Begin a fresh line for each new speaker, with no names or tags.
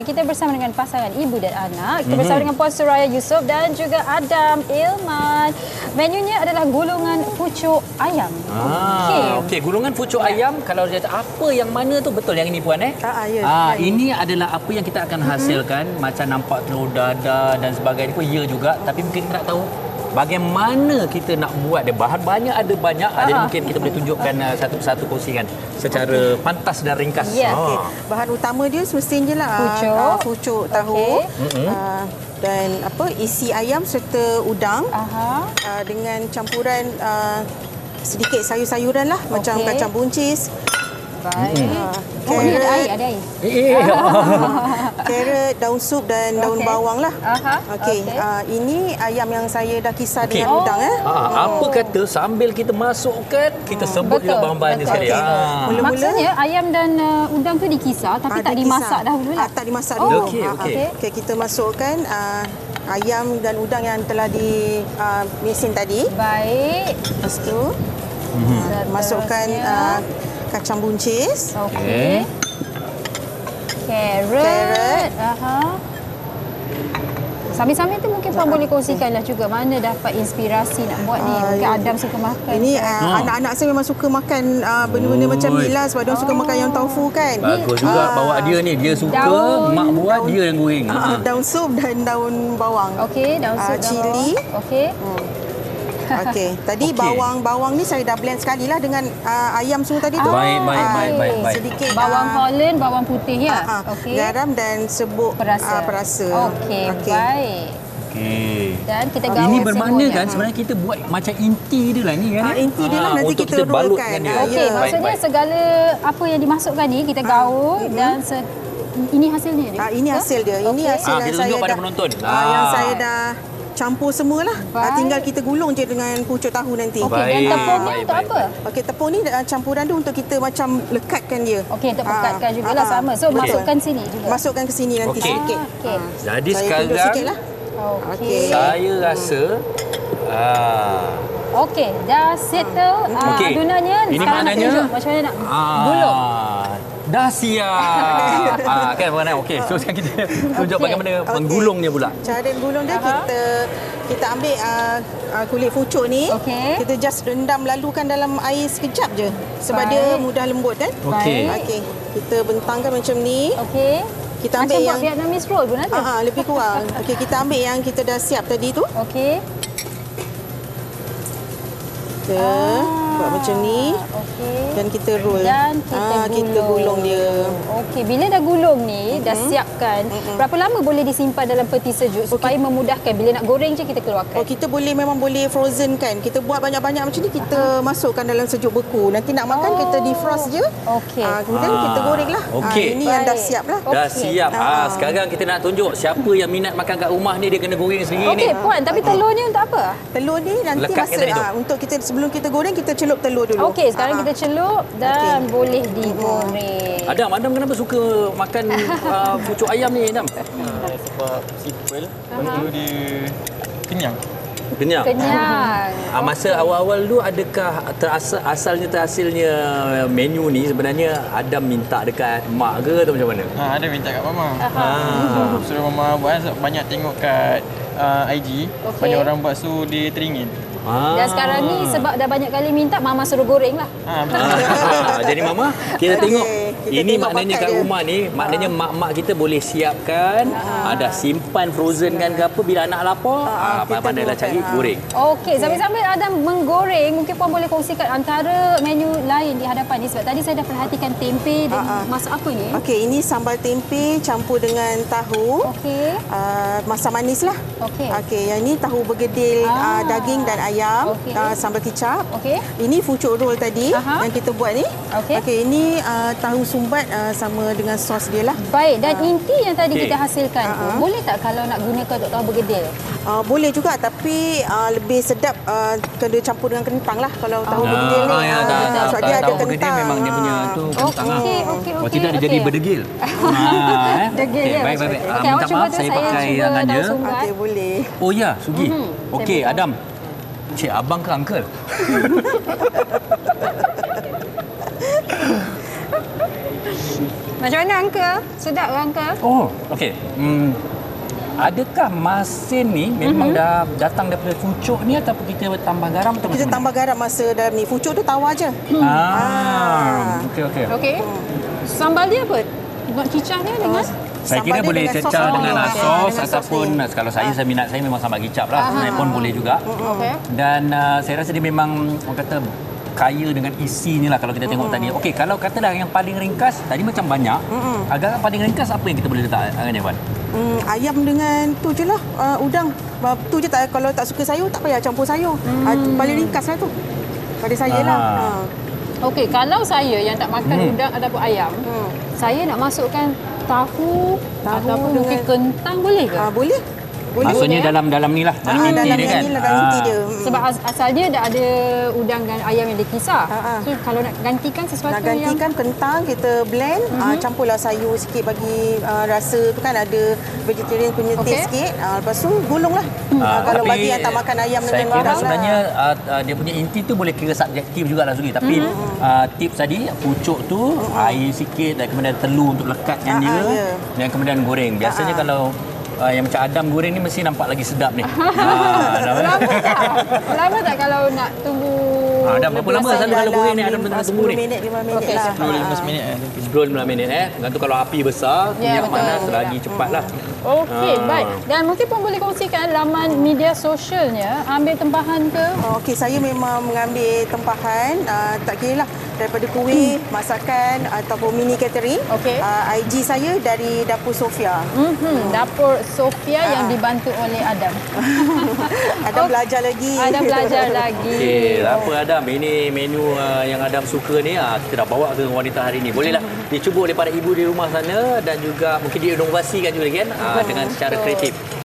Kita bersama dengan pasangan ibu dan anak. Kita bersama dengan Puan Suraya Yusof dan juga Adam Ilman. Menunya adalah gulungan pucuk ayam.
Okey, gulungan pucuk ayam. Kalau dia apa yang mana tu betul yang ini Puan
Ya.
Ini adalah apa yang kita akan hasilkan. Macam nampak telur dadar dan sebagainya pun ya juga. Tapi mungkin kita nak tahu bagaimana kita nak buat dia. Bahan banyak, ada banyak. Jadi mungkin kita boleh tunjukkan satu persatu kongsikan secara pantas dan ringkas.
Ya.
Bahan utama dia semestinya lah pucuk tahu dan isi ayam serta udang dengan campuran sedikit sayur-sayuran lah macam kacang buncis.
Baik. Ini ada air,
Carrot, daun sup dan daun bawang lah. Ini ayam yang saya dah kisar dengan udang.
Apa kata sambil kita masukkan, kita sebut juga bahan-bahannya sekali.
Maksudnya ayam dan udang tu dikisar tapi tak dimasak dahulu lah.
Tak dimasak dulu.
Okey.
Kita masukkan ayam dan udang yang telah di mesin tadi.
Baik.
Lepas tu masukkan kacang buncis.
Okey. Carrot. Sambil-sambil tu mungkin Puan boleh kongsikanlah juga mana dapat inspirasi nak buat ni. Mungkin Adam suka makan.
Ini anak-anak saya memang suka makan benda-benda macam ni lah sebab dia suka makan yang tofu kan.
Bagus juga bawa dia ni. Dia suka, mak buat, dia yang goreng.
Daun sup dan daun bawang.
Okey, daun sup,
cili.
Okey.
Okey, tadi bawang ni saya dah blend sekali lah dengan ayam semua tadi tu.
Baik.
Sedikit
bawang Holland, bawang putih ya.
Okey. Garam dan serbuk perasa.
Okey, baik.
Okey.
Dan kita gaul
ini bermakna
semuanya.
kan sebenarnya kita buat macam inti dia lah ni kan.
Inti dia lah nanti
untuk
kita
balutkan
rollkan.
dia.
Okey, maksudnya segala apa yang dimasukkan ni kita gaul dan ini hasilnya dia.
Ini hasil dia. Ini hasil yang
kita
saya
tunjuk pada
dah
penonton.
yang saya dah campur semualah. Tinggal kita gulung je dengan pucuk tahu nanti.
Okey, dan tepungnya untuk apa?
Okey, tepung ni campuran dia untuk kita macam lekatkan dia.
Okey, untuk pekatkan jugalah sama. So masukkan sini juga.
Masukkan ke sini nanti sikit.
Okey.
Jadi
Saya
sekarang
tunjuk sikitlah.
Okey.
saya rasa
Okey, dah settle adunannya.
Ini
Sekarang nak
maknanya
tunjuk macam mana nak gulung.
Dah siap. Kan mana? Okey, so sekarang kita tunjuk bagaimana menggulungnya pula.
Cara gulung dia kita ambil kulit pucuk ni. Kita just rendam lalukan dalam air sekejap je sebab dia mudah lembut kan.
Okey.
Kita bentangkan macam ni.
Okey.
Kita ambil
macam
yang
buat Vietnamese roll pun ada.
lebih kurang. Okey, kita ambil yang kita dah siap tadi tu.
Okey.
Kita buat macam ni.
Okey.
Dan kita roll.
Dan
kita gulung dia.
Okey, bila dah gulung ni, dah siapkan, berapa lama boleh disimpan dalam peti sejuk supaya memudahkan bila nak goreng je kita keluarkan?
Kita memang boleh frozen kan. Kita buat banyak-banyak macam ni, kita masukkan dalam sejuk beku. Nanti nak makan kita defrost je.
Okey.
Kemudian kita goreng lah. Ini yang dah siap lah.
Dah siap. Sekarang kita nak tunjuk siapa yang minat makan kat rumah ni, dia kena goreng sendiri ni.
Okey, Puan, tapi telur ni untuk apa?
Telur ni nanti untuk kita sebelum kita goreng kita celup telur dulu.
Okey, sekarang kita celup dan boleh digoreng.
Adam kenapa suka makan pucuk ayam ni, Adam?
Sebab simple, lepas tu dia kenyang.
Kenyang. Masa awal-awal tu adakah terhasilnya menu ni sebenarnya Adam minta dekat mak ke atau macam mana?
Ada minta kat mama. Suruh mama buat sebab banyak tengok kat IG, banyak orang buat so dia teringin.
Dan sekarang ni sebab dah banyak kali minta, mama suruh goreng lah.
Jadi mama, kita tengok ini
tengok
maknanya
bakat
kat
dia.
rumah ni, maknanya mak-mak kita boleh siapkan, ada simpan frozen kan ke apa, bila anak lapar, pandailah cari goreng.
Okey, sambil-sambil Adam menggoreng, mungkin Puan boleh kongsikan antara menu lain di hadapan ni sebab tadi saya dah perhatikan tempe dan masak apa ni?
Okey, ini sambal tempe campur dengan tahu.
Okey.
Masam manis lah. Okey, yang ni tahu bergedil daging dan ayam, sambal kicap.
Okey.
Ini pucuk roll tadi yang kita buat ni. Okey, ini tahu sumbat sama dengan sos dia lah.
Baik, dan inti yang tadi kita hasilkan tu, boleh tak kalau nak gunakan untuk tahu bergedil?
Boleh juga tapi lebih sedap kena campur dengan kentang lah kalau tahu bergedil ni. Sebab dia ada
tahu bergedil
kentang.
memang dia punya tu kentang.
Okey.
Oh, tidak dia jadi berdegil.
Degil dia.
Baik.
Okey, awak
Minta
cuba
maaf
tu,
saya pakai
cuba
tangan
daun
dia.
sumbat.
Okey, boleh.
Oh ya, Sugi. Okey, Adam. Cik, abang ke uncle?
Macam mana Uncle? Sedap ke Uncle?
Oh, okey. Adakah masin ni memang dah datang daripada pucuk ni ataupun kita tambah garam atau
Kita
macam
tambah garam masa dalam ni. Pucuk tu tawar je.
Okey, okey.
Okey. Sambal dia apa? Nak cicah dia dengan?
Saya
Sambal
kira
dia
boleh
dengan sos
cecah
ni.
dengan
Ah,
sos
dengan sos
ataupun
ni.
kalau saya minat saya memang sambal kicap lah. Sebenarnya pun boleh juga.
Okey.
Dan saya rasa dia memang orang kata kaya dengan isi ni lah kalau kita tengok tadi. Okey, kalau katalah yang paling ringkas tadi macam banyak. Agak paling ringkas apa yang kita boleh letak Angin Evan?
Ayam dengan tu je lah, udang. Tu je tak, kalau tak suka sayur tak payah campur sayur. Paling ringkas lah tu. Pada saya lah.
Okey, kalau saya yang tak makan udang ataupun ayam, saya nak masukkan tahu ataupun mungkin kentang boleh ke?
Boleh. Boleh.
Maksudnya dalam ni lah, dalam inti
dalam
dia kan.
ni lah, dalam inti dia.
Sebab asal dia dah ada udang dan ayam yang dikisar. So kalau nak gantikan sesuatu
Nak gantikan kentang, kita blend, campurlah sayur sikit bagi rasa tu kan ada vegetarian punya taste sikit. Lepas tu gulunglah. Kalau
Tapi
bagi yang tak makan ayam
saya
dengan
kira
udang
sebenarnya dia punya inti tu boleh kira subjektif jugalah Sugi. Tapi tips tadi pucuk tu air sikit dan kemudian telur untuk lekatkan dia dan kemudian goreng. Biasanya kalau yang macam Adam goreng ni mesti nampak lagi sedap ni.
Lama tak kalau nak tunggu?
Adam berapa lama selalu kalau goreng ni Adam tengah tunggu ni?
10 minit, 5 minit
Okey,
lah.
15 minit
10-15 minit Gantung kalau api besar,
Ya,
minyak
betul.
panas selagi cepatlah.
Okey, baik. Dan mungkin pun boleh kongsikan laman media sosialnya, ambil tempahan ke?
Okey, saya memang mengambil tempahan, tak kira lah daripada kuih, masakan ataupun mini catering.
Okey.
IG saya dari Dapur Sofia.
Dapur Sofia yang dibantu oleh Adam.
Ada belajar lagi.
Ada belajar lagi.
Okey, tak apa Adam, ini menu yang Adam suka ni kita dah bawa ke wanita hari ni. Bolehlah dicuba oleh para ibu di rumah sana dan juga mungkin diinovasikan juga kan dengan secara kreatif.